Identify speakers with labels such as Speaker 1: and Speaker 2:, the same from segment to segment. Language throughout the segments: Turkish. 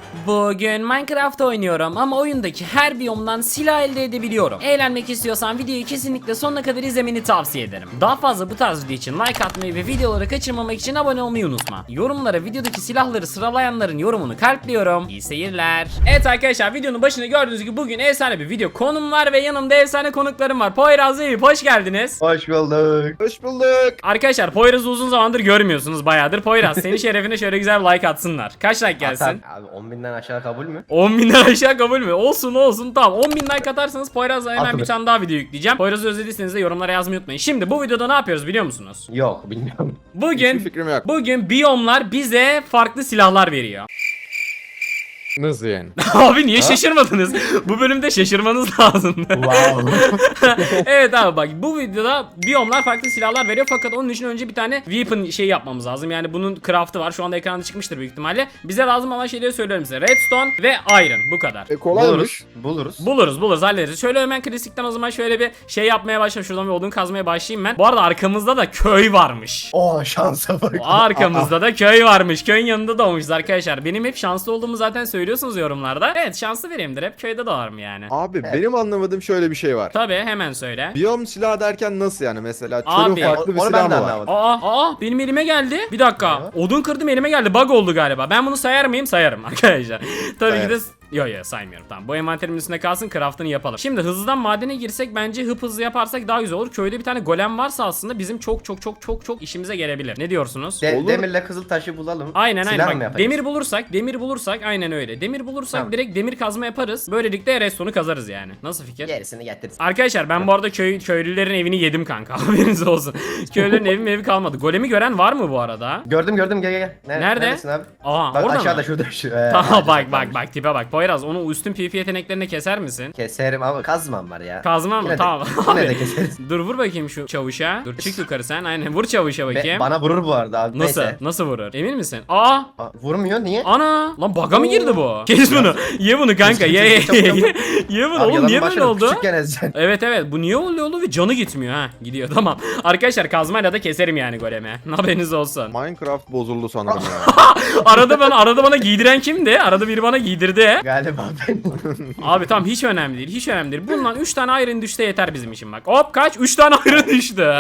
Speaker 1: Bugün Minecraft oynuyorum ama oyundaki her biyomdan silah elde edebiliyorum. Eğlenmek istiyorsan videoyu kesinlikle sonuna kadar izlemeni tavsiye ederim. Daha fazla bu tarz video için like atmayı ve videoları kaçırmamak için abone olmayı unutma. Yorumlara videodaki silahları sıralayanların yorumunu kalpliyorum. İyi seyirler. Evet arkadaşlar, videonun başında gördüğünüz gibi bugün efsane bir video konum var ve yanımda efsane konuklarım var. Poyraz, Eyüp, hoş geldiniz.
Speaker 2: Hoş bulduk.
Speaker 3: Hoş bulduk.
Speaker 1: Arkadaşlar Poyraz'ı uzun zamandır görmüyorsunuz, bayağıdır. Poyraz, senin şerefine şöyle güzel bir like atsınlar. Kaç like gelsin?
Speaker 2: Abi 10.000'den aşağı kabul mü?
Speaker 1: 10.000'den aşağı kabul mü? Olsun tamam. 10.000 like atarsanız Poyraz'la hemen
Speaker 2: Atılır.
Speaker 1: bir tane daha video yükleyeceğim. Poyraz'ı özlediyseniz de yorumlara yazmayı unutmayın. Şimdi bu videoda ne yapıyoruz biliyor musunuz?
Speaker 2: Yok, bilmiyorum.
Speaker 1: Bugün
Speaker 3: Hiçbir fikrim yok.
Speaker 1: bugün biyomlar bize farklı silahlar veriyor.
Speaker 3: Nasıl yani?
Speaker 1: Abi niye şaşırmadınız? Bu bölümde şaşırmanız lazım.
Speaker 2: Wow.
Speaker 1: Evet abi, bak bu videoda biyomlar farklı silahlar veriyor fakat onun için önce bir tane weapon şey yapmamız lazım. Yani bunun craft'ı var. Şu anda ekranda çıkmıştır büyük ihtimalle. Bize lazım olan şeyleri söylüyorum size. Redstone ve iron, bu kadar.
Speaker 3: Kolaymış.
Speaker 1: Buluruz hallederiz. Şöyle hemen klasikten o zaman şöyle bir şey yapmaya başlayayım. Şuradan bir odun kazmaya başlayayım ben. Bu arada arkamızda da köy varmış.
Speaker 2: Oh, şansa bak.
Speaker 1: Arkamızda da köy varmış. Köyün yanında doğmuşuz arkadaşlar. Benim hep şanslı olduğumu zaten söylüyorsunuz yorumlarda. Evet, şanslı biriyimdir. Hep köyde doğarım yani.
Speaker 3: Abi benim anlamadığım şöyle bir şey var.
Speaker 1: Tabii, hemen söyle.
Speaker 3: Biyom silah derken nasıl yani, mesela
Speaker 1: Abi,
Speaker 3: çölün farklı bir
Speaker 2: onu
Speaker 3: silahı
Speaker 2: ben de
Speaker 3: mı var?
Speaker 2: anlamadım.
Speaker 1: Aa benim elime geldi. Bir dakika. Odun kırdım, elime geldi. Bug oldu galiba. Ben bunu sayar mıyım? Sayarım arkadaşlar. Tabii ki de Yo saymıyorum, tamam. Bu envanterimin üstünde kalsın, craftını yapalım. Şimdi hızlıdan madene girsek bence hızlı yaparsak daha güzel olur. Köyde bir tane golem varsa aslında bizim çok işimize gelebilir. Ne diyorsunuz?
Speaker 3: Olur.
Speaker 2: Demirle kızıl taşı bulalım.
Speaker 1: Aynen
Speaker 2: Silah mı
Speaker 1: bak,
Speaker 2: yaparız?
Speaker 1: demir bulursak aynen öyle. Demir bulursak
Speaker 2: Tamam.
Speaker 1: direkt demir kazma yaparız. Böylelikle redstone'u kazarız yani. Nasıl fikir?
Speaker 2: Gerisini getiririz.
Speaker 1: Arkadaşlar ben bu arada köylülerin evini yedim kanka. Haberiniz olsun. Köylülerin evi kalmadı. Golemi gören var mı bu arada?
Speaker 2: Gördüm gel.
Speaker 1: Nerede?
Speaker 2: Neredesin abi?
Speaker 1: Aa,
Speaker 2: Bak
Speaker 1: orada
Speaker 2: aşağıda
Speaker 1: mı?
Speaker 2: şurada şu.
Speaker 1: Tamam bak tipe bak. Poyraz, onu üstün PvP yeteneklerini keser misin?
Speaker 2: Keserim ama kazmam var ya.
Speaker 1: Kazma mı?
Speaker 2: Yine de-
Speaker 1: Tamam.
Speaker 2: Yine de
Speaker 1: Abi,
Speaker 2: keseriz.
Speaker 1: dur vur bakayım şu çavuşa. Dur çık yukarı sen. Aynen vur çavuşa bakayım.
Speaker 2: Bana vurur bu arada abi.
Speaker 1: Nasıl?
Speaker 2: Neyse.
Speaker 1: Nasıl vurur? Emin misin? Aa!
Speaker 2: Vurmuyor, niye?
Speaker 1: Ana! Lan bug'a mı girdi bu? Kes bunu. Ye bunu kanka. Ye
Speaker 2: Çabuk.
Speaker 1: Ye bunu.
Speaker 2: Abi
Speaker 1: Oğlum
Speaker 2: yalanın
Speaker 1: niye böyle
Speaker 2: başını
Speaker 1: oldu?
Speaker 2: Küçükken ezeceksin.
Speaker 1: Evet bu niye oluyor ve canı gitmiyor ha. Gidiyor tamam. Arkadaşlar kazmayla da keserim yani golemi. Haberiniz olsun.
Speaker 3: Minecraft bozuldu sanırım ya.
Speaker 1: Arada bana giydiren kimdi? Arada biri bana giydirdi.
Speaker 2: Galiba ben.
Speaker 1: Abi tamam, hiç önemli değil. Bundan 3 tane iron düşse yeter bizim için bak. Hop kaç? 3 tane iron düştü.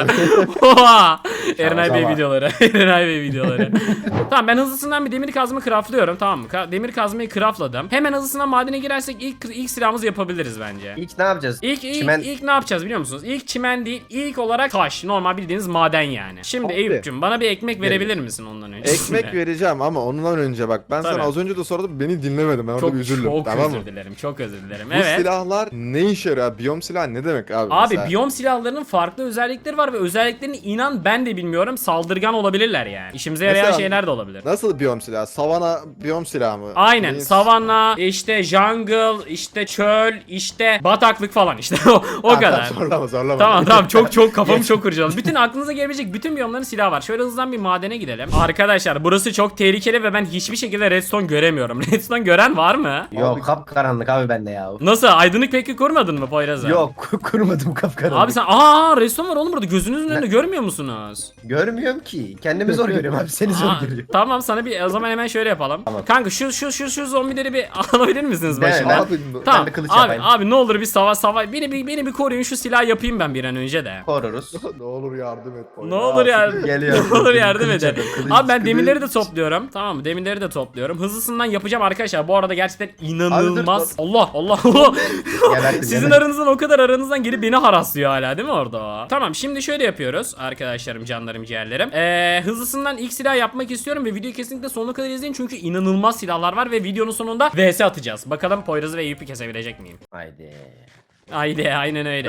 Speaker 1: Oha. Erenay Bey videoları. Tamam, ben hızlısından bir demir kazma craftlıyorum, tamam mı? Demir kazmayı craftladım. Hemen hızlısından madene girersek ilk silahımızı yapabiliriz bence.
Speaker 2: İlk ne yapacağız?
Speaker 1: İlk ne yapacağız biliyor musunuz? İlk çimen değil, ilk olarak taş. Normal bildiğiniz maden yani. Şimdi
Speaker 3: Abi.
Speaker 1: Eyüp'cüm bana bir ekmek verebilir misin ondan önce?
Speaker 3: Ekmek vereceğim ama ondan önce bak, ben
Speaker 1: Tabii.
Speaker 3: sana az önce de sordum, beni dinlemedin, ben orada bir üzüldüm,
Speaker 1: çok
Speaker 3: tamam mı?
Speaker 1: Çok özür dilerim.
Speaker 3: Bu
Speaker 1: Evet.
Speaker 3: silahlar ne işe yarıyor? Biyom silahı ne demek abi?
Speaker 1: Abi
Speaker 3: mesela?
Speaker 1: biyom silahlarının farklı özellikleri var ve özelliklerini inan ben de bilmiyorum. Saldırgan olabilirler yani. İşimize yarayan
Speaker 3: Mesela-
Speaker 1: şeyler de olabilir.
Speaker 3: Nasıl biyom silahı? Savana biyom silahı mı?
Speaker 1: Aynen.
Speaker 3: Neyin-
Speaker 1: Savanna, işte jungle, işte çöl, işte bataklık falan işte. o
Speaker 3: Ha,
Speaker 1: kadar.
Speaker 3: Zorlama.
Speaker 1: Tamam çok kafamı çok kurcaladı. Bütün aklınıza gelebilecek bütün biyomların silahı var. Şöyle hızlıdan bir madene gidelim. Arkadaşlar burası çok tehlikeli ve ben hiçbir şekilde redstone göremiyorum. Redstone gören var mı?
Speaker 2: Yok, kapkaranlık abi bende ya.
Speaker 1: Nasıl? Aydınlık peki kurmadın mı Poyraz abi?
Speaker 2: Yok, kurmadım kapkaranlık.
Speaker 1: Abi sen redstone var oğlum burada, gözünüzün önünde görmüyor musunuz?
Speaker 2: Görmüyorum ki. Kendimi zor görüyorum abi. Seni zor
Speaker 1: Aa,
Speaker 2: görüyorum.
Speaker 1: tamam, sana bir o zaman hemen şöyle yapalım.
Speaker 2: Tamam.
Speaker 1: Kanka şu zombileri bir alabilir misiniz
Speaker 2: Ben-
Speaker 1: başıma?
Speaker 2: ben-
Speaker 3: Abi,
Speaker 1: Tamam
Speaker 2: bir kılıç
Speaker 1: abi,
Speaker 2: yapayım.
Speaker 1: ne olur bir savaş beni bir koruyun, şu silahı yapayım ben bir an önce de.
Speaker 2: Koruruz.
Speaker 3: ne olur yardım et.
Speaker 1: Ne olur yardım.
Speaker 2: Geliyor.
Speaker 1: Ne olur yardım
Speaker 2: Kılıç
Speaker 1: edin.
Speaker 2: yapıyorum, kılıç.
Speaker 1: Abi ben demirleri de topluyorum. Tamam mı? Demirleri de topluyorum. Hızlısından yapacağım arkadaşlar. Bu arada gerçekten inanılmaz.
Speaker 2: Abi
Speaker 1: Allah.
Speaker 2: Gebertim,
Speaker 1: Sizin
Speaker 2: gebertim.
Speaker 1: aranızdan o kadar aranızdan gelip beni haraslıyor hala değil mi orada? Tamam, şimdi şöyle yapıyoruz arkadaşlarım, canlarım, ciğerlerim. Hızlısından ilk silah yapmak istiyorum ve videoyu kesinlikle sonuna kadar izleyin çünkü inanılmaz silahlar var ve videonun sonunda vs atacağız. Bakalım Poyraz'ı ve Eyüp'ü kesebilecek miyim?
Speaker 2: Haydi.
Speaker 1: Haydi aynen öyle.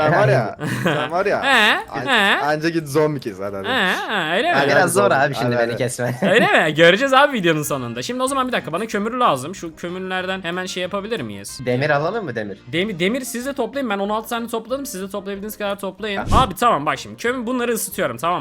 Speaker 3: Sen var ya. Anca git zombi kes hadi.
Speaker 1: Öyle mi?
Speaker 3: Hadi.
Speaker 2: Biraz zor abi
Speaker 3: Hadi,
Speaker 2: şimdi
Speaker 3: hadi.
Speaker 2: beni kesme.
Speaker 1: Öyle mi? Göreceğiz abi videonun sonunda. Şimdi o zaman bir dakika, bana kömür lazım. Şu kömürlerden hemen şey yapabilir miyiz?
Speaker 2: Demir alalım mı demir?
Speaker 1: Demir siz de toplayın. Ben 16 tane topladım. Siz de toplayabildiğiniz kadar toplayın. Abi tamam, bak şimdi bunları ısıtıyorum, tamam mı?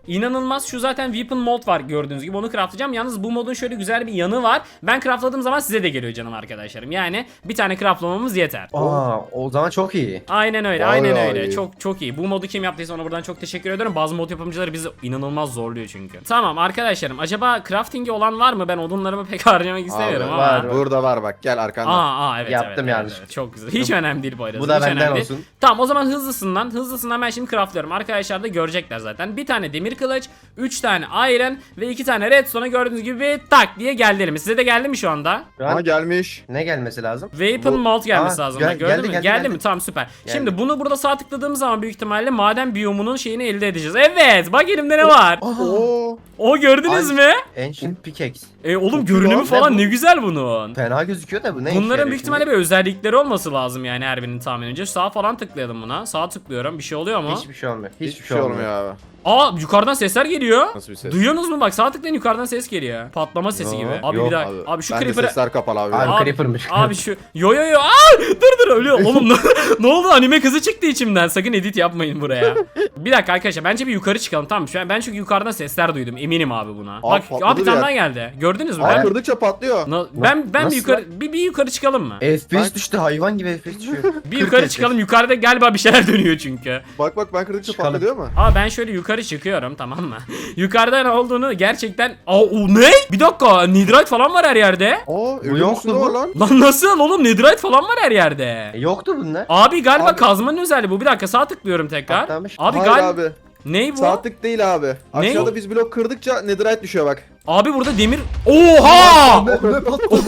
Speaker 1: İnanılmaz. Şu zaten weapon mod var gördüğünüz gibi. Onu craftlayacağım. Yalnız bu modun şöyle güzel bir yanı var. Ben craftladığım zaman size de geliyor canım arkadaşlarım. Yani bir tane craftlamamız yeter.
Speaker 2: O zaman çok iyi.
Speaker 1: Aynen öyle.
Speaker 3: Vay
Speaker 1: Aynen
Speaker 3: vay.
Speaker 1: öyle. Çok iyi. Bu modu kim yaptıysa ona buradan çok teşekkür ediyorum. Bazı mod yapımcıları bizi inanılmaz zorluyor çünkü. Tamam arkadaşlarım. Acaba crafting'i olan var mı? Ben odunlarımı pek harcamak istemiyorum ama.
Speaker 2: var.
Speaker 3: Burada var bak gel arkanda.
Speaker 1: Evet
Speaker 2: Yaptım
Speaker 1: evet,
Speaker 2: yanlış.
Speaker 1: evet. Çok güzel. Hiç önemli değil bu arada.
Speaker 2: Bu da
Speaker 1: Hiç
Speaker 2: benden
Speaker 1: önemli değil.
Speaker 2: olsun.
Speaker 1: Tamam o zaman hızlısından ben şimdi craftlıyorum. Arkadaşlar da görecekler zaten. Bir tane demir kılıç, 3 tane iron ve 2 tane redstone'a gördüğünüz gibi tak diye geldi elime. Size de geldi mi şu anda?
Speaker 2: Şu
Speaker 3: Aha
Speaker 2: an
Speaker 3: gelmiş.
Speaker 2: ne gelmesi lazım?
Speaker 1: Weapon
Speaker 3: Bu-
Speaker 1: mod gelmesi
Speaker 2: Aa,
Speaker 1: lazım.
Speaker 2: gel-
Speaker 1: Gördün
Speaker 2: geldi,
Speaker 1: mü?
Speaker 2: geldi,
Speaker 1: Geldi mi?
Speaker 2: geldi.
Speaker 1: Tamam süper.
Speaker 2: Geldi.
Speaker 1: Şimdi bunu burada sağ tıkladığımız zaman büyük ihtimalle maden biyomunun şeyini elde edeceğiz. Evet bak elimde ne var?
Speaker 3: Oo.
Speaker 1: O gördünüz
Speaker 2: Ay.
Speaker 1: mü?
Speaker 2: Ancient Pickaxe.
Speaker 1: Oğlum
Speaker 3: Çok
Speaker 1: görünümü
Speaker 3: güzel.
Speaker 1: falan
Speaker 2: Ne bu?
Speaker 1: ne güzel bunun.
Speaker 2: Fena gözüküyor da bu ne işe
Speaker 1: Bunların
Speaker 2: yarıyor
Speaker 1: büyük
Speaker 2: şimdi?
Speaker 1: ihtimalle bir özellikleri olması lazım yani her birinin tahminince. Sağ falan tıklayalım buna. Sağ tıklıyorum. Bir şey oluyor mu?
Speaker 2: Hiçbir şey olmuyor.
Speaker 3: Hiçbir şey olmuyor abi.
Speaker 1: Aa yukarıdan sesler geliyor.
Speaker 3: Nasıl bir ses?
Speaker 1: Duyuyorsunuz mu? Bak sağ tıklayın yukarıdan ses geliyor. Patlama sesi
Speaker 2: Yo,
Speaker 1: gibi. Abi
Speaker 2: yok
Speaker 1: bir dakika. Abi şu
Speaker 3: Bende
Speaker 1: creeper'ı...
Speaker 3: sesler kapalı abi.
Speaker 2: Abi,
Speaker 1: Abi,
Speaker 2: creeper'mış.
Speaker 1: abi şu... Yo. Aa, dur ölüyor. Oğlum ne oldu? Anime kızı çıktı içimden. Sakın edit yapmayın buraya. Bir dakika arkadaşlar. Bence bir yukarı çıkalım. Tamam şu an ben çünkü yukarıdan sesler duydum. Eminim abi buna. Bak
Speaker 3: patladı
Speaker 1: abi bir
Speaker 3: bir
Speaker 1: tane
Speaker 3: yer.
Speaker 1: daha geldi. Gördünüz mü?
Speaker 3: Abi
Speaker 1: Ben
Speaker 3: kırdıkça patlıyor.
Speaker 1: ben bir
Speaker 2: Nasıl
Speaker 1: yukarı bir yukarı çıkalım mı?
Speaker 2: FPS düştü, hayvan gibi FPS düşüyor.
Speaker 1: Bir yukarı çıkalım. Yukarıda galiba bir şeyler dönüyor çünkü.
Speaker 3: Bak ben kırdıkça
Speaker 2: Çıkalım.
Speaker 3: patlıyor mu?
Speaker 1: Aa ben şöyle yukarı çıkıyorum tamam mı? Yukarıda ne olduğunu gerçekten... Aa o ne? Bir dakika netherite falan var her yerde.
Speaker 3: Aa evin
Speaker 2: yoktu
Speaker 3: üstünde
Speaker 2: bu.
Speaker 3: var lan.
Speaker 1: Lan nasıl oğlum netherite falan var her yerde.
Speaker 2: Yoktu bunlar.
Speaker 1: Abi galiba
Speaker 3: Abi-
Speaker 1: kazmanın özelliği bu. Bir dakika sağ tıklıyorum tekrar.
Speaker 2: Patlamış.
Speaker 1: Abi
Speaker 3: Hayır
Speaker 1: galiba...
Speaker 3: abi.
Speaker 1: Ney bu?
Speaker 3: Saatlik değil abi.
Speaker 1: Ne?
Speaker 3: Aşağıda biz blok kırdıkça netherite düşüyor bak.
Speaker 1: Abi burada demir... Oha!
Speaker 2: Ne patladı?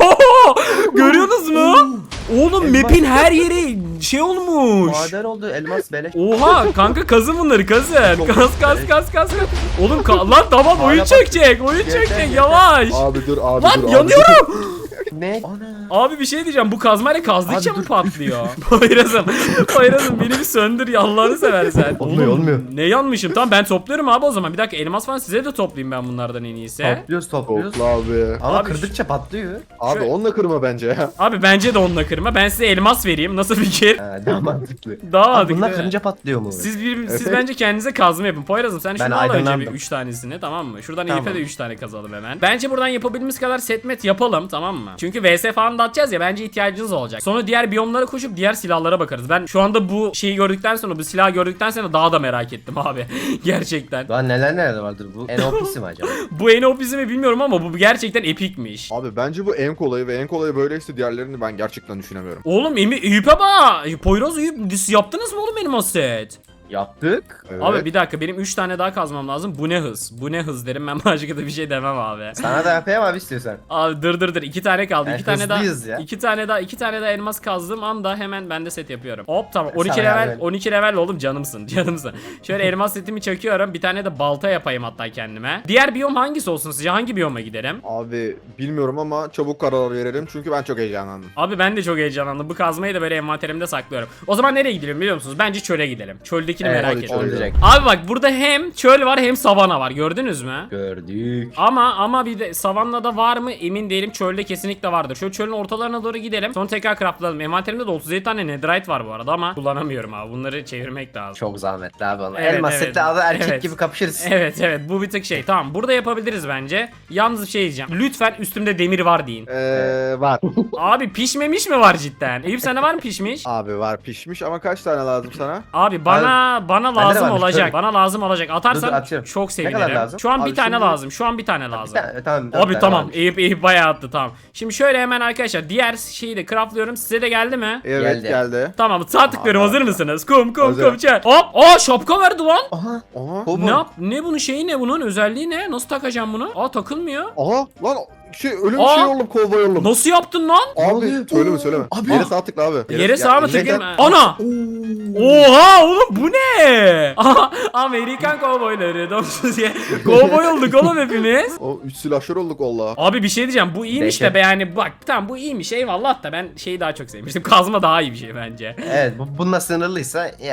Speaker 1: Görüyorsunuz mu? Oğlum
Speaker 2: Elmas-
Speaker 1: map'in her yeri şey olmuş.
Speaker 2: Maden oldu, elmas beleş.
Speaker 1: Oha kanka kazın bunları kazın. Kaz. Oğlum lan tamam oyun
Speaker 2: Hala
Speaker 1: çekecek. Oyun
Speaker 2: Yeter,
Speaker 1: çekecek
Speaker 2: yeter.
Speaker 1: yavaş.
Speaker 3: Abi dur abi
Speaker 1: Lan
Speaker 3: dur abi.
Speaker 1: yanıyorum.
Speaker 2: Ne? Ana.
Speaker 1: Abi bir şey diyeceğim. Bu kazmayla kazdıkça
Speaker 2: Abi
Speaker 1: mı
Speaker 2: dur.
Speaker 1: patlıyor? Poyraz'ım beni bir söndür ya Allah'ını seversen.
Speaker 2: Olmuyor,
Speaker 1: Oğlum,
Speaker 2: olmuyor.
Speaker 1: Ne yanmışım? Tamam ben topluyorum abi o zaman. Bir dakika elmas falan size de toplayayım ben bunlardan en iyisi.
Speaker 2: Topluyoruz.
Speaker 3: Topla abi.
Speaker 2: Ama
Speaker 1: Abi
Speaker 2: kırdıkça patlıyor.
Speaker 3: Abi
Speaker 1: Şöyle-
Speaker 3: onunla kırma bence ya.
Speaker 1: Abi bence de onunla kırma. Ben size elmas vereyim. Nasıl fikir?
Speaker 2: Ha, daha mantıklı.
Speaker 1: Daha
Speaker 2: Abi
Speaker 1: mantıklı.
Speaker 2: bunlar kırınca patlıyor mu?
Speaker 1: Siz
Speaker 3: Evet.
Speaker 1: bence kendinize kazma yapın. Poyraz'ım sen
Speaker 2: Ben
Speaker 1: şunu al önce bir
Speaker 2: aydınlandım.
Speaker 1: 3 tanesini tamam mı? Şuradan
Speaker 2: Tamam.
Speaker 1: Elif'e de 3 tane kazalım hemen. Bence buradan yapabildiğimiz kadar setmet yapalım tamam mı? Çünkü VS falan da atacağız ya bence ihtiyacınız olacak. Sonra diğer biyomlara koşup diğer silahlara bakarız. Ben şu anda bu şeyi gördükten sonra bu silahı gördükten sonra daha da merak ettim abi. Gerçekten.
Speaker 2: Daha neler vardır bu? NOP'si mi acaba?
Speaker 1: Bu en OP'si mi bilmiyorum ama bu gerçekten epikmiş.
Speaker 3: Abi bence bu en kolayı ve en kolayı böyleyse diğerlerini ben gerçekten düşünemiyorum.
Speaker 1: Oğlum Eyüp'e bak. Poyraz Eyüp yaptınız mı oğlum benim o set?
Speaker 2: Yaptık.
Speaker 3: Evet.
Speaker 1: Abi bir dakika benim 3 tane daha kazmam lazım. Bu ne hız? Bu ne hız derim ben başka da bir şey demem abi.
Speaker 2: Sana da yapayım abi istiyorsan.
Speaker 1: Abi dur 2 tane kaldı.
Speaker 2: Yani
Speaker 1: 2 tane daha.
Speaker 2: hızlıyız ya.
Speaker 1: 2 tane daha elmas kazdığım anda hemen ben de set yapıyorum. Hop tamam.
Speaker 2: Sana
Speaker 1: 12 level
Speaker 2: yardım.
Speaker 1: 12 level oğlum canımsın. Şöyle elmas setimi çekiyorum. Bir tane de balta yapayım hatta kendime. Diğer biyom hangisi olsun sizce? Hangi biyoma giderim?
Speaker 3: Abi bilmiyorum ama çabuk karar verelim çünkü ben çok heyecanlandım.
Speaker 1: Abi ben de çok heyecanlandım. Bu kazmayı da böyle envanterimde saklıyorum. O zaman nereye gidelim biliyor musunuz? Bence çöle gidelim. Çöldekini
Speaker 2: Evet,
Speaker 1: merak
Speaker 3: hadi
Speaker 1: ediyorum.
Speaker 3: çöl.
Speaker 2: Olacak.
Speaker 1: Abi bak burada hem çöl var hem savana var. Gördünüz mü?
Speaker 2: Gördük.
Speaker 1: Ama bir de savannada var mı emin değilim. Çölde kesinlikle vardır. Şöyle çölün ortalarına doğru gidelim. Sonra tekrar craftlayalım. Envanterimde de 37 tane netherite var bu arada ama kullanamıyorum abi. Bunları çevirmek lazım.
Speaker 2: Çok zahmetli abi onlar.
Speaker 1: Evet,
Speaker 2: Elmas
Speaker 1: evet.
Speaker 2: seti adı erkek
Speaker 1: Evet.
Speaker 2: gibi kapışırız.
Speaker 1: Evet bu bir tık şey. Tamam burada yapabiliriz bence. Yalnız bir şey diyeceğim. Lütfen üstümde demir var deyin.
Speaker 3: Var.
Speaker 1: Abi pişmemiş mi var cidden? Eyüp sende var mı pişmiş?
Speaker 3: Abi var pişmiş ama kaç tane lazım sana?
Speaker 1: Abi bana
Speaker 2: Bende de
Speaker 1: lazım
Speaker 2: varmış,
Speaker 1: olacak.
Speaker 2: tabii.
Speaker 1: Bana lazım olacak. Atarsan
Speaker 2: Dur, atıyorum.
Speaker 1: çok
Speaker 2: Ne
Speaker 1: sevinirim.
Speaker 2: kadar lazım?
Speaker 1: Şu an
Speaker 3: Abi
Speaker 1: bir tane
Speaker 3: şimdi-
Speaker 1: lazım. Şu an bir tane lazım.
Speaker 2: Tamam.
Speaker 1: Abi tamam. Eyüp bayağı attı tamam. Şimdi şöyle hemen arkadaşlar diğer şeyi de craftlıyorum. Size de geldi mi?
Speaker 3: Evet geldi.
Speaker 1: Tamam sağ tıklıyorum.
Speaker 3: Aa,
Speaker 1: Hazır mısınız? Kum
Speaker 3: Hazırım.
Speaker 1: çek. Hop. Aa şapka verdi lan.
Speaker 2: Aha.
Speaker 3: Aha.
Speaker 1: Ne ne bunun şeyi ne bunun özelliği ne? Nasıl takacağım bunu? Aa takılmıyor.
Speaker 3: Aha lan ölüm
Speaker 1: Aa!
Speaker 3: şey oldum kovboy oldum.
Speaker 1: Nasıl yaptın lan?
Speaker 3: Abi
Speaker 2: oluyor?
Speaker 3: söyleme.
Speaker 2: Abi.
Speaker 3: Yere sağ tıkla abi.
Speaker 1: Yere sağa mı
Speaker 3: ya,
Speaker 1: tıklayayım?
Speaker 3: yere-
Speaker 1: Ana! Oha oğlum bu ne? Aha, Amerikan kovboyları domsuz ye. Kovboy olduk oğlum hepimiz.
Speaker 3: O 3 silahşör olduk valla.
Speaker 1: Abi bir şey diyeceğim bu iyiymiş de
Speaker 2: Dehşet.
Speaker 1: be yani bak tamam bu iyiymiş eyvallah da ben şeyi daha çok sevmiştim. Kazma daha iyi bir şey bence.
Speaker 2: Evet bununla sınırlıysa yok.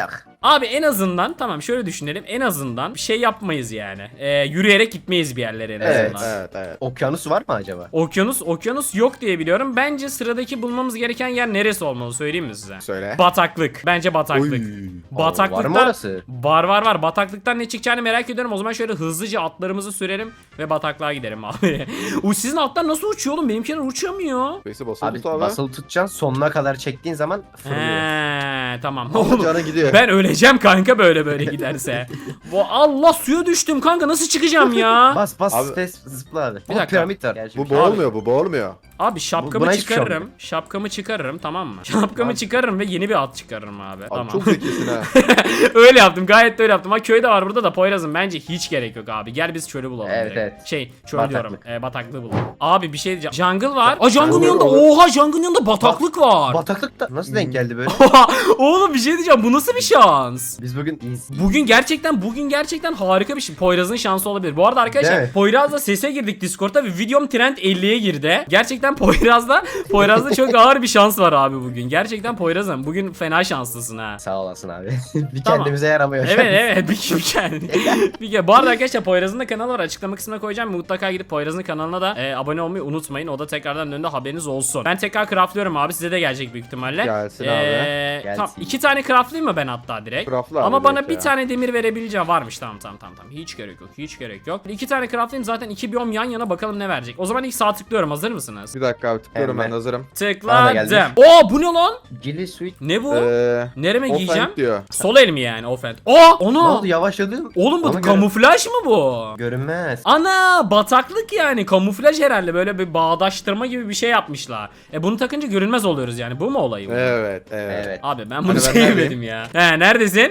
Speaker 1: Abi en azından tamam şöyle düşünelim. En azından bir şey yapmayız yani. Yürüyerek gitmeyiz bir yerlere en
Speaker 2: Evet.
Speaker 1: azından.
Speaker 3: Evet.
Speaker 2: Okyanus var mı acaba?
Speaker 1: Okyanus yok diye biliyorum. Bence sıradaki bulmamız gereken yer neresi olmalı söyleyeyim mi size?
Speaker 3: Söyle.
Speaker 1: Bataklık. Bence bataklık.
Speaker 3: Oy.
Speaker 1: Bataklıkta
Speaker 2: Var mı orası?
Speaker 1: var. Bataklıktan ne çıkacağını merak ediyorum. O zaman şöyle hızlıca atlarımızı sürelim ve bataklığa gidelim abi. Sizin atlar nasıl uçuyor oğlum? Benimkiler uçamıyor.
Speaker 3: Space'e basılı
Speaker 2: Abi
Speaker 3: tut abi.
Speaker 2: basılı tutacaksın, sonuna kadar çektiğin zaman fırlıyor.
Speaker 1: Tamam.
Speaker 3: Ama
Speaker 1: Oğlum,
Speaker 3: canı gidiyor.
Speaker 1: ben öleceğim kanka böyle giderse. Allah suya düştüm kanka, nasıl çıkacağım ya?
Speaker 2: Bas
Speaker 3: Abi-
Speaker 2: space zıpla abi.
Speaker 1: Bir dakika.
Speaker 2: Piramit var. Gerçi.
Speaker 3: Bu boğulmuyor, bu boğulmuyor.
Speaker 1: Abi şapkamı
Speaker 2: Buna hiçbir şey
Speaker 1: çıkarırım.
Speaker 2: olmuyor.
Speaker 1: Şapkamı çıkarırım, tamam mı? Şapkamı çıkarırım ve yeni bir at çıkarırım abi.
Speaker 3: Abi
Speaker 1: Tamam.
Speaker 3: çok zekisin ha.
Speaker 1: Öyle yaptım, gayet de öyle yaptım. Ha köyde var burada da Poyraz'ım, bence hiç gerek yok abi. Gel biz çölü bulalım
Speaker 2: Evet,
Speaker 1: direkt.
Speaker 2: evet.
Speaker 1: Şey çöl
Speaker 2: Bataklık.
Speaker 1: diyorum. Bataklığı bulalım. Abi bir şey diyeceğim. Jungle var. Aa jungle'ın
Speaker 3: Olur,
Speaker 1: yanında.
Speaker 3: olur.
Speaker 1: Oha jungle'ın yanında bataklık var.
Speaker 2: Bataklıkta nasıl denk geldi böyle?
Speaker 1: Oğlum bir şey diyeceğim. Bu nasıl bir şans?
Speaker 2: Biz bugün
Speaker 1: Bugün gerçekten harika bir şey. Poyraz'ın şansı olabilir. Bu arada
Speaker 2: Değil
Speaker 1: arkadaşlar
Speaker 2: mi?
Speaker 1: Poyraz'la sese girdik Discord'da ve videom trend 50'ye girdi. Gerçekten Poyraz'da çok ağır bir şans var abi bugün. Gerçekten Poyraz'ım bugün fena şanslısın ha.
Speaker 2: Sağ olasın abi. Bir
Speaker 1: Tamam.
Speaker 2: kendimize yaramıyor.
Speaker 1: Evet bir kere. Bu arada arkadaşlar Poyraz'ın da kanalı var, açıklama kısmına koyacağım, mutlaka gidip Poyraz'ın kanalına da abone olmayı unutmayın, o da tekrardan önünde haberiniz olsun. Ben tekrar craftlıyorum abi, size de gelecek büyük ihtimalle.
Speaker 3: Gelsin abi.
Speaker 1: Tamam
Speaker 2: Gelsin.
Speaker 1: 2 tane craftlayayım mı ben hatta direkt?
Speaker 3: Craftla abi
Speaker 1: Ama bana
Speaker 3: direkt
Speaker 1: bir
Speaker 3: ya.
Speaker 1: tane demir verebileceğim varmış, tamam hiç gerek yok. 2 tane craftlayayım zaten, 2 biyom yan yana, bakalım ne verecek. O zaman ilk sağ tıklıyorum, hazır mısınız?
Speaker 3: Bir dakika abi tıklıyorum,
Speaker 2: Hemen.
Speaker 3: ben de hazırım.
Speaker 2: Bana da geldi.
Speaker 1: Tıkladım. Oo bu ne lan?
Speaker 2: Gilly Sweet.
Speaker 1: Ne bu? Nereme
Speaker 3: Offhand
Speaker 1: giyeceğim?
Speaker 3: diyor.
Speaker 1: Sol el mi yani offhand? Aa
Speaker 2: Ne
Speaker 1: onu.
Speaker 2: oldu, yavaşladın?
Speaker 1: Oğlum bu
Speaker 2: Ona göre-
Speaker 1: kamuflaj mı bu?
Speaker 2: Görünmez.
Speaker 1: Ana bataklık yani, kamuflaj herhalde, böyle bir bağdaştırma gibi bir şey yapmışlar. Bunu takınca görünmez oluyoruz yani, bu mu olayı?
Speaker 3: Evet.
Speaker 2: Evet.
Speaker 1: Abi ben bunu
Speaker 3: Hani ben
Speaker 1: sevmedim
Speaker 3: neredeyim?
Speaker 1: ya. Neredesin?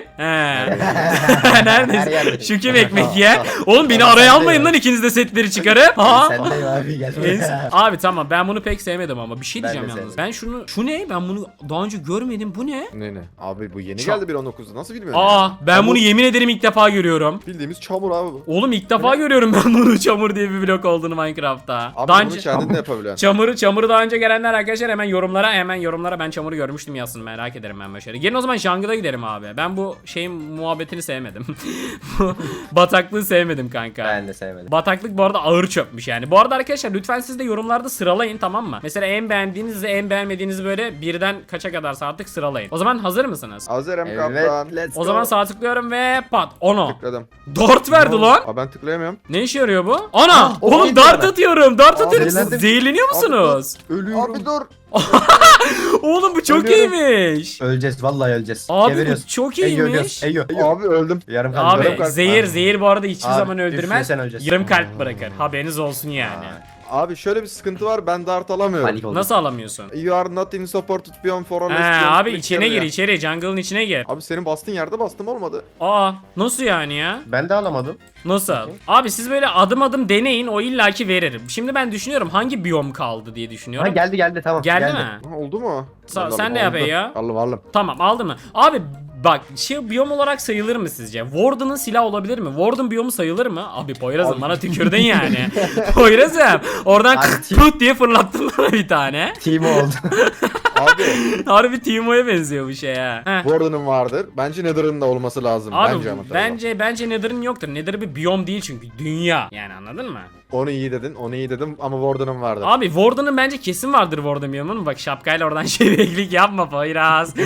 Speaker 2: Her
Speaker 1: Neredesin?
Speaker 2: yerde.
Speaker 1: Şu kim ekmek ye? Oğlum beni araya almayın lan, ikiniz de setleri çıkarıp. Ha?
Speaker 2: Sen de abi gel.
Speaker 1: Abi tamam, ben bunu pek sevmedim ama bir şey
Speaker 2: Ben
Speaker 1: diyeceğim
Speaker 2: de
Speaker 1: yalnız.
Speaker 2: sevmedim.
Speaker 1: Şu ne? Ben bunu daha önce görmedim. Bu ne?
Speaker 3: Ne? Abi bu yeni
Speaker 1: Çam-
Speaker 3: geldi 1.19'da, nasıl bilmiyorum
Speaker 1: Aa
Speaker 3: ya?
Speaker 1: ben
Speaker 3: Çamur-
Speaker 1: bunu yemin ederim ilk defa görüyorum.
Speaker 3: Bildiğimiz çamur abi bu.
Speaker 1: Oğlum ilk defa görüyorum ben bunu, çamur diye bir blok olduğunu Minecraft'ta.
Speaker 3: Abi
Speaker 1: Daha
Speaker 3: bunu
Speaker 1: önce
Speaker 3: kendin de yapabiliyorsun.
Speaker 1: çamuru daha önce gelenler arkadaşlar hemen yorumlara ben çamuru görmüştüm yazsın, merak ederim ben böyle şeyleri. Gelin o zaman jungle'a gidelim abi. Ben bu şeyin muhabbetini sevmedim. Bu bataklığı sevmedim kanka.
Speaker 2: Ben de sevmedim.
Speaker 1: Bataklık bu arada ağır çöpmüş yani. Bu arada arkadaşlar lütfen siz de yorumlarda sıralayın, tamam mı? Mesela en beğendiğinizi, en beğenmediğinizi böyle birden kaça kadarsa artık sıralayın. O zaman hazır mısınız?
Speaker 3: Hazırım
Speaker 2: Evet,
Speaker 3: kaptan.
Speaker 2: let's
Speaker 1: O
Speaker 2: go.
Speaker 1: zaman sağ tıklıyorum ve pat. Ono.
Speaker 3: Tıkladım.
Speaker 1: Dart verdi lan.
Speaker 3: Abi ben tıklayamıyorum.
Speaker 1: Ne işe yarıyor bu? Ana!
Speaker 2: o
Speaker 1: Oğlum
Speaker 2: neydi
Speaker 1: dart
Speaker 2: bana?
Speaker 1: atıyorum. Dart atıyorum. Siz
Speaker 2: zehirlendim.
Speaker 1: zehirleniyor musunuz?
Speaker 2: Ölüyorum.
Speaker 3: Abi dur.
Speaker 1: Oğlum bu çok
Speaker 2: Ölüyorum.
Speaker 1: iyiymiş.
Speaker 2: Öleceğiz, vallahi öleceğiz.
Speaker 1: Abi bu
Speaker 2: Geberiyoruz.
Speaker 1: çok
Speaker 2: Eyyo,
Speaker 1: iyiymiş.
Speaker 2: Eyyo.
Speaker 3: Abi öldüm.
Speaker 2: Yarım kalp.
Speaker 1: Abi
Speaker 3: kalp.
Speaker 1: zehir bu arada hiçbir
Speaker 2: Abi,
Speaker 1: zaman öldürmez.
Speaker 2: üflesen öleceğiz.
Speaker 1: Yarım kalp bırakır. Haberiniz olsun yani.
Speaker 3: Abi şöyle bir sıkıntı var, ben dart alamıyorum.
Speaker 2: Panik oldum.
Speaker 1: Nasıl alamıyorsun?
Speaker 3: You are not in supported beyond for all
Speaker 1: Abi içine gir, içeri. Jungle'ın içine gir.
Speaker 3: Abi senin bastığın yerde bastım, olmadı.
Speaker 1: Aa nasıl yani ya?
Speaker 2: Ben de alamadım.
Speaker 1: Nasıl? Abi siz böyle adım adım deneyin, o illaki verir. Şimdi ben düşünüyorum hangi biyom kaldı diye
Speaker 2: Ha
Speaker 1: düşünüyorum.
Speaker 2: geldi tamam.
Speaker 1: Geldi mi?
Speaker 3: Ha, oldu mu?
Speaker 1: Sen de yap ya.
Speaker 3: Aldım.
Speaker 1: Tamam aldı mı? Abi bak şey biyom olarak sayılır mı sizce? Warden'ın silah olabilir mi? Warden biyomu sayılır mı? Abi Poyraz'ım bana tükürdün yani. Poyraz'ım oradan
Speaker 2: Abi,
Speaker 1: put diye fırlattın bana bir tane.
Speaker 2: Team oldu.
Speaker 3: Abi
Speaker 1: Harbi Teemo'ya benziyor bu şey ha. Heh.
Speaker 3: Warden'ın vardır. Bence Nether'ın da olması lazım.
Speaker 1: Abi
Speaker 3: bence ama tabii.
Speaker 1: bence Nether'ın yoktur. Nether bir biyom değil çünkü dünya. Yani anladın mı?
Speaker 3: Onu iyi dedim ama Warden'ın vardır.
Speaker 1: Abi Warden'ın bence kesin vardır Warden biyomunun. Bak şapkayla oradan şebeklik yapma Poyraz.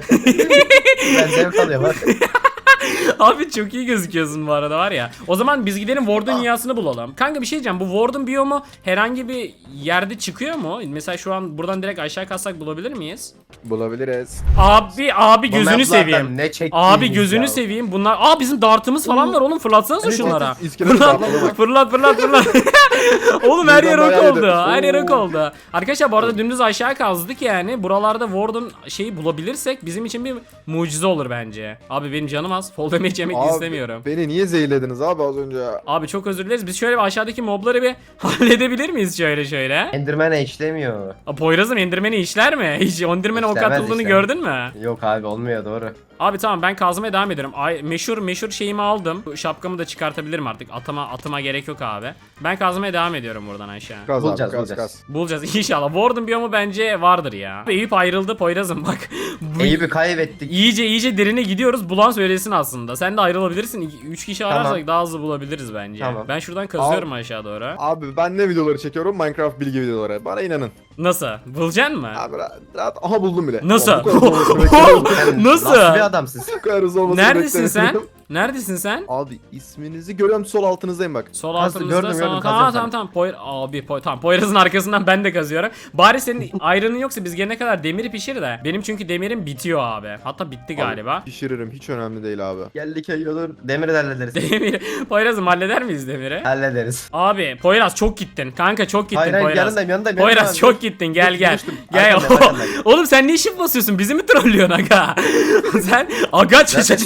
Speaker 2: Ben zevk alıyorum bak.
Speaker 1: Abi çok iyi gözüküyorsun bu arada var ya. O zaman biz gidelim Warden dünyasını bulalım. Kanka bir şey diyeceğim. Bu Warden biyomu herhangi bir yerde çıkıyor mu? Mesela şu an buradan direkt aşağı kalsak bulabilir miyiz?
Speaker 3: Bulabiliriz.
Speaker 1: Abi
Speaker 2: Bu
Speaker 1: gözünü
Speaker 2: maplardan
Speaker 1: seveyim.
Speaker 2: Ne çektiğimiz
Speaker 1: Abi gözünü
Speaker 2: ya.
Speaker 1: seveyim. Bunlar bizim dartımız falan var oğlum, fırlatsanıza
Speaker 3: Evet,
Speaker 1: şunlara.
Speaker 3: evet, iskelet dartları bak.
Speaker 1: Fırlat. Oğlum her yer
Speaker 3: Buradan
Speaker 1: ok
Speaker 3: bayağı
Speaker 1: oldu.
Speaker 3: iyidir.
Speaker 1: Her yer ok
Speaker 3: Oo.
Speaker 1: oldu. Arkadaşlar bu arada dümdüz aşağı kazdık yani. Buralarda Warden şeyi bulabilirsek bizim için bir mucize olur bence. Abi benim canım az. Fall damage yemek
Speaker 3: Abi,
Speaker 1: istemiyorum.
Speaker 3: Beni niye zehirlediniz abi az önce ya?
Speaker 1: Abi çok özür dileriz. Biz şöyle bir aşağıdaki mobları bir halledebilir miyiz şöyle?
Speaker 2: Enderman'e işlemiyor.
Speaker 1: Poyraz'ım Enderman'i işler mi? Hiç Enderman'e ok
Speaker 2: İşlemez,
Speaker 1: atıldığını
Speaker 2: işlemez.
Speaker 1: gördün mü?
Speaker 2: Yok abi olmuyor, doğru.
Speaker 1: Abi tamam ben kazmaya devam ediyorum. Meşhur şeyimi aldım. Bu şapkamı da çıkartabilirim artık. Atıma gerek yok abi. Ben kazmaya kazmaya devam ediyorum buradan aşağı.
Speaker 3: Kaz
Speaker 2: Bulacağız,
Speaker 3: abi, kaz,
Speaker 2: bulacağız.
Speaker 3: kaz.
Speaker 1: Bulacağız inşallah. Warden biyomu bence vardır ya. Eyüp ayrıldı Poyraz'ım bak.
Speaker 2: Eyüp'ü kaybettik.
Speaker 1: İyice derine gidiyoruz. Bulan söylesin aslında. Sen de ayrılabilirsin. 3 kişi ararsak
Speaker 2: Tamam.
Speaker 1: daha hızlı bulabiliriz bence.
Speaker 2: Tamam.
Speaker 1: Ben şuradan kazıyorum aşağı doğru.
Speaker 3: Abi ben ne videoları çekiyorum? Minecraft bilgi videoları. Bana inanın.
Speaker 1: Nasıl? Bulacaksın mı?
Speaker 3: Abi rahat. Aha buldum bile.
Speaker 1: Nasıl?
Speaker 3: Abi, bu kadar hızlı olmasını beklemiyordum.
Speaker 2: Sen
Speaker 1: Nasıl?
Speaker 2: bir adamsın?
Speaker 3: Bu kadar hızlı olmasını
Speaker 1: Neredesin sen?
Speaker 3: beklemiyordum.
Speaker 1: Neredesin sen?
Speaker 3: Abi isminizi görüyorum, sol altınızdayım bak.
Speaker 1: Sol
Speaker 2: Kazdı,
Speaker 1: altımızda
Speaker 2: gördüm,
Speaker 1: tamam
Speaker 2: kazıyorum
Speaker 1: tamam. Tamam Poyraz'ın arkasından ben de kazıyorum. Bari senin ayrının yoksa biz gelene kadar demiri pişir de. Benim çünkü demirim bitiyor abi. Hatta bitti galiba.
Speaker 3: Abi, pişiririm, hiç önemli değil abi.
Speaker 2: Geldik olur. Demiri de hallederiz.
Speaker 1: Demir. Poyraz'ım halleder miyiz demiri?
Speaker 2: Hallederiz.
Speaker 1: Abi Poyraz çok gittin. Kanka çok gittin
Speaker 2: Hayır hayır
Speaker 1: Poyraz.
Speaker 2: yanındayım.
Speaker 1: Poyraz çok gittin. Gel
Speaker 2: Dur,
Speaker 1: gel.
Speaker 2: düştüm.
Speaker 1: Gel.
Speaker 2: Arkandayım.
Speaker 1: Oğlum sen niye shift basıyorsun? Bizi mi trollüyorsun aga? Sen aga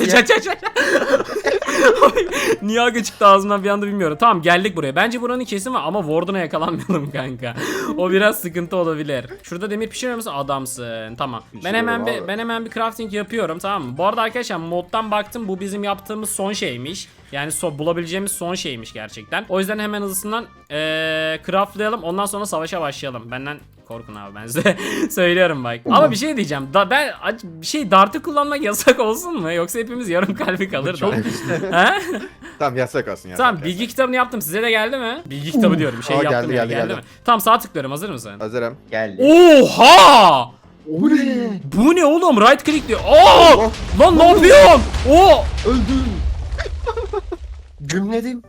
Speaker 1: Niye aga çıktı ağzımdan bir anda bilmiyorum. Tamam geldik buraya. Bence buranın kesin var ama Warden'a yakalanmayalım kanka. O biraz sıkıntı olabilir. Şurada demir pişiriyor musun? Adamsın. Tamam.
Speaker 3: Pişiriyorum
Speaker 1: Ben hemen bir crafting yapıyorum tamam mı? Bu arada arkadaşlar moddan baktım bu bizim yaptığımız son şeymiş. Yani bulabileceğimiz son şeymiş gerçekten. O yüzden hemen hızlısından craftlayalım. Ondan sonra savaşa başlayalım. Benden korkun abi ben size söylüyorum bak. Ama bir şey diyeceğim. Dart'ı kullanmak yasak olsun mu? Yoksa hepimiz yarım kalbi kalır da. Ha?
Speaker 3: Tamam yasak olsun ya.
Speaker 1: Tamam bilgi kitabını yaptım. Size de geldi mi? Bilgi kitabı diyorum. Şey
Speaker 3: Aa,
Speaker 1: yaptım
Speaker 3: geldi,
Speaker 1: ya,
Speaker 3: geldi.
Speaker 1: mi? Tamam sağ tıklıyorum. Hazır mısın?
Speaker 3: Hazırım.
Speaker 2: Geldi.
Speaker 1: Oha!
Speaker 3: O ne?
Speaker 1: Bu ne oğlum? Right click diyor. Aa! Lan ne yapıyorsun? Oo!
Speaker 2: Öldüm. Gümledim.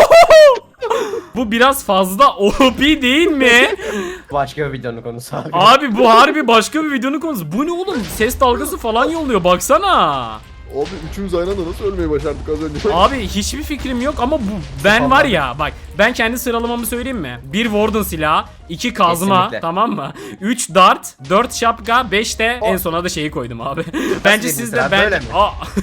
Speaker 1: Bu biraz fazla OP değil mi?
Speaker 2: Başka bir videonun konusu abi.
Speaker 1: Abi bu harbi başka bir videonun konusu. Bu ne oğlum? Ses dalgası falan yolluyor. Baksana.
Speaker 3: Abi üçümüz aynı anda nasıl ölmeyi başardık az önce?
Speaker 1: Abi hiçbir fikrim yok ama ben var ya bak ben kendi sıralamamı söyleyeyim mi? 1 Warden silahı, 2 kazma
Speaker 2: Kesinlikle.
Speaker 1: tamam mı? 3 dart, 4 şapka, 5 de en sona da şeyi koydum abi. Bence
Speaker 2: bir
Speaker 1: siz de
Speaker 2: sıra, böyle mi?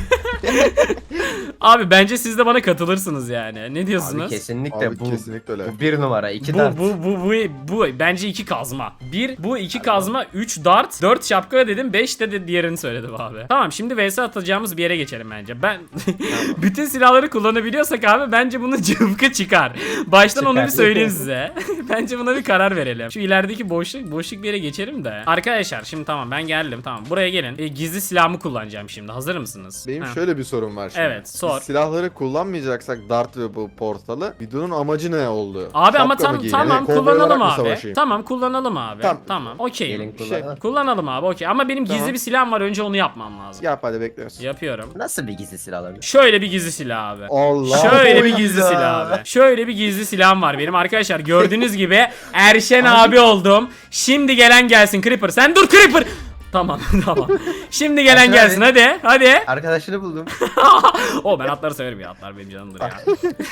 Speaker 1: Abi bence siz de bana katılırsınız yani. Ne diyorsunuz?
Speaker 2: Abi kesinlikle
Speaker 3: Abi
Speaker 2: bu.
Speaker 3: kesinlikle öyle.
Speaker 2: Bu bir numara. 2 dart.
Speaker 1: Bu bence 2 kazma. 2 kazma, 3 dart, 4 şapka dedim, 5 de diğerini söyledim abi. Tamam şimdi vs atacağımız bir yere geçelim bence. Ben bütün silahları kullanabiliyorsak abi bence bunun cıvkı çıkar. Baştan onu bir
Speaker 2: Çıkar.
Speaker 1: söyleyeyim size. Bence buna bir karar verelim. Şu ilerideki boşluk bir yere geçelim de. Arkadaşlar şimdi tamam ben geldim tamam. Buraya gelin. Gizli silahımı kullanacağım şimdi. Hazır mısınız?
Speaker 3: Benim
Speaker 1: Ha.
Speaker 3: şöyle bir sorum var şimdi.
Speaker 1: Evet, sor.
Speaker 3: Biz silahları kullanmayacaksak Dart ve bu portalı videonun amacı ne oldu?
Speaker 1: Abi ama
Speaker 3: Şapka mı giyelim?
Speaker 1: tamam
Speaker 3: Kovboy olarak
Speaker 1: kullanalım
Speaker 3: mı
Speaker 1: abi.
Speaker 3: savaşayım?
Speaker 1: Tamam kullanalım abi.
Speaker 3: Tamam.
Speaker 1: Tamam. Okey.
Speaker 2: Gelin
Speaker 3: şey-
Speaker 2: kullanalım.
Speaker 1: Kullanalım abi okey. Ama benim gizli
Speaker 3: Tamam.
Speaker 1: bir silahım var. Önce onu yapmam lazım.
Speaker 3: Yap hadi bekliyoruz.
Speaker 1: Yapıyorum.
Speaker 2: Nasıl bir gizli silah alabilir?
Speaker 1: Şöyle bir gizli silah abi.
Speaker 3: Allah.
Speaker 1: Şöyle bir
Speaker 2: Allah.
Speaker 1: gizli silah abi. Şöyle bir gizli silahım var benim arkadaşlar. Gördüğünüz gibi Erşen abi oldum. Şimdi gelen gelsin Creeper. Sen dur Creeper. Tamam tamam. Şimdi gelen
Speaker 2: Erşen
Speaker 1: gelsin
Speaker 2: abi.
Speaker 1: hadi.
Speaker 2: Arkadaşını buldum.
Speaker 1: O ben atları severim ya. Atlar benim canımdır ya.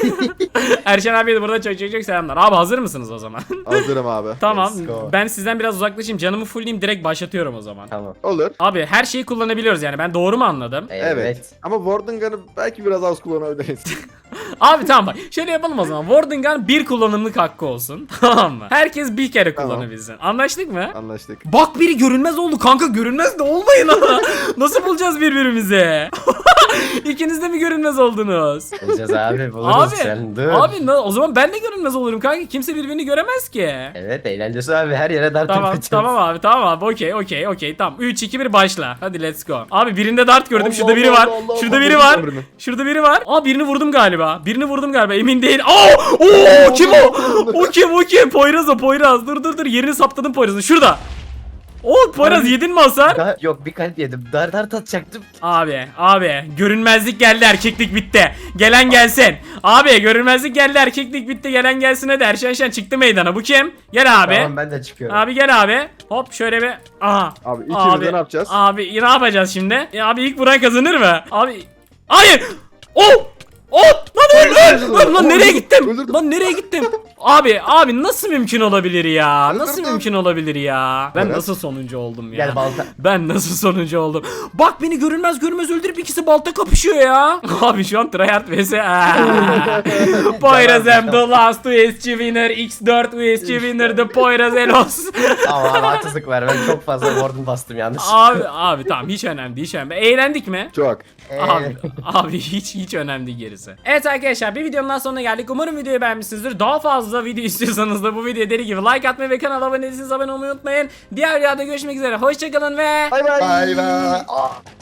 Speaker 1: Erşen abiye de burada çok selamlar. Abi hazır mısınız o zaman?
Speaker 3: Hazırım abi.
Speaker 1: Tamam.
Speaker 2: Let's go.
Speaker 1: Ben sizden biraz uzaklaşayım. Canımı fullleyeyim direkt başlatıyorum o zaman.
Speaker 2: Tamam.
Speaker 3: Olur.
Speaker 1: Abi her şeyi kullanabiliyoruz yani. Ben doğru mu anladım?
Speaker 3: Evet. Ama Warden Gun'ı belki biraz az kullanabiliriz.
Speaker 1: Abi tamam bak. Şöyle yapalım o zaman. Warden Gun bir kullanımlık hakkı olsun. Tamam mı? Herkes bir kere
Speaker 3: Tamam.
Speaker 1: kullanabilsin. Anlaştık mı?
Speaker 3: Anlaştık.
Speaker 1: Bak biri görünmez oldu kanka, görünmez de olmayın ha. Nasıl bulacağız birbirimizi? İkiniz de mi görünmez oldunuz?
Speaker 2: Bulacağız abi buluruz
Speaker 1: Abi,
Speaker 2: sen dur.
Speaker 1: o zaman ben de görünmez olurum kanka. Kimse birbirini göremez ki.
Speaker 2: Evet eğlencesi abi her yere dart
Speaker 1: Tamam
Speaker 2: yapacağız.
Speaker 1: tamam abi okey tamam 3 2 1 başla hadi let's go. Abi birinde dart gördüm,
Speaker 3: Allah,
Speaker 1: şurada biri
Speaker 3: Allah,
Speaker 1: var,
Speaker 3: Allah,
Speaker 1: şurada
Speaker 3: Allah,
Speaker 1: biri
Speaker 3: Allah,
Speaker 1: var,
Speaker 3: Allah.
Speaker 1: şurada biri var. Aa birini vurdum galiba emin değil. Oo kim o kim Poyraz dur yerini saptadım Poyraz'ın şurada. Poyraz
Speaker 2: Abi-
Speaker 1: yedin mi hasar?
Speaker 2: Yok bir kalp yedim. Dart atacaktım.
Speaker 1: Abi görünmezlik geldi, erkeklik bitti. Gelen gelsin. Abi görünmezlik geldi, erkeklik bitti. Gelen gelsin hadi. Erşen çıktı meydana. Bu kim? Gel abi.
Speaker 2: Tamam ben de çıkıyorum.
Speaker 1: Abi gel abi. Hop şöyle bir. Aha.
Speaker 3: Abi ikimiz de ne yapacağız?
Speaker 1: Abi ne yapacağız şimdi? Abi ilk vuran kazanır mı? Abi. Hayır. Lan nereye gittim?
Speaker 3: Öldürdüm.
Speaker 1: Lan nereye gittim? Abi nasıl mümkün olabilir ya? Nasıl
Speaker 3: Öldürdüm.
Speaker 1: mümkün olabilir ya? Ben
Speaker 3: Evet.
Speaker 1: nasıl sonuncu oldum ya?
Speaker 2: Gel balta.
Speaker 1: Ben nasıl sonuncu oldum? Bak beni görünmez öldürüp ikisi balta kapışıyor ya. Abi şu an tryhard vs. Poyraz am the last USG winner. X4 USG winner the Poyraz Elos.
Speaker 2: Ama haksızlık var ben çok fazla warden bastım yanlış.
Speaker 1: abi tamam hiç önemli değil. Eğlendik mi?
Speaker 3: Çok.
Speaker 1: Abi hiç önemli değil gerisi. Evet arkadaşlar bir videonun daha sonuna geldik. Umarım videoyu beğenmişsinizdir. Daha fazla video istiyorsanız da bu videoya deli gibi like atmayı ve kanala abone değilseniz abone olmayı unutmayın. Diğer videoda görüşmek üzere. Hoşçakalın ve
Speaker 3: Bay bay.
Speaker 2: Bay bay.